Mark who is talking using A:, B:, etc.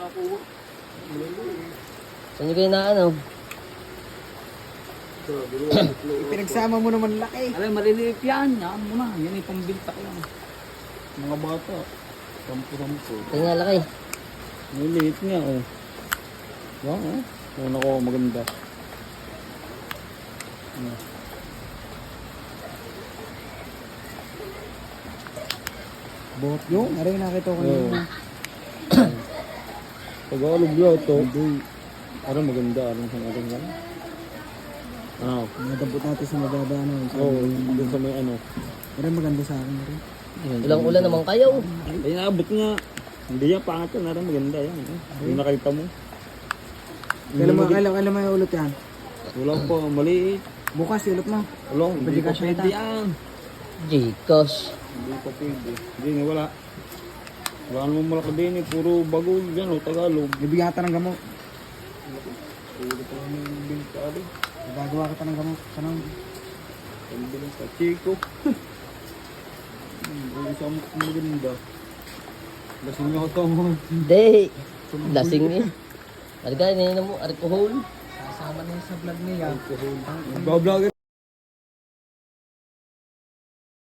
A: nakakuha.
B: Saan nyo kayo na ano?
C: Pinagsama mo naman laki.
A: Alam, maliliit yan. Yan mo na. Yan ay pambintak lang. Mga bata. Sampo-sampo.
B: Kaya nga laki.
A: Maliliit nga, oh. Wow, oh. Yan ako, maganda.
C: Bot yung, aray nakita ko yun.
A: Tagalog lang ito. Ano maganda, anong sangalan yan? Ano?
C: Nadabot natin sa mababa na.
A: Oo, doon sa may ano.
C: Aray maganda sa akin rin.
B: Ilang ulan naman kayo.
A: Ay, naabot nga. Hindi yan, pangat yan. Ano, maganda yan. Yung nakita mo.
C: Kailan mo yung ulot yan?
A: Wala pa, maliit.
C: Bukas ulot mo.
A: Wala, hindi pa
C: Gcash
A: pwede
C: ata.
A: yan.
B: Gcash.
A: Hindi pa pwede. Hindi nga, wala. Wala naman malaki din eh. Puro bagol yan, o Tagalog.
C: Bibigyan kita ng gamot.
A: Puro pa yung bintali.
C: Gagawa kita ng gamot. Sanang.
A: Pambilang sa Chico. Isang maganda. Lasing ako ito mo.
B: Hindi. Lasing eh. Arga, ininom mo. Alcohol.
C: Kasama na yun sa vlog niya.
A: Bablog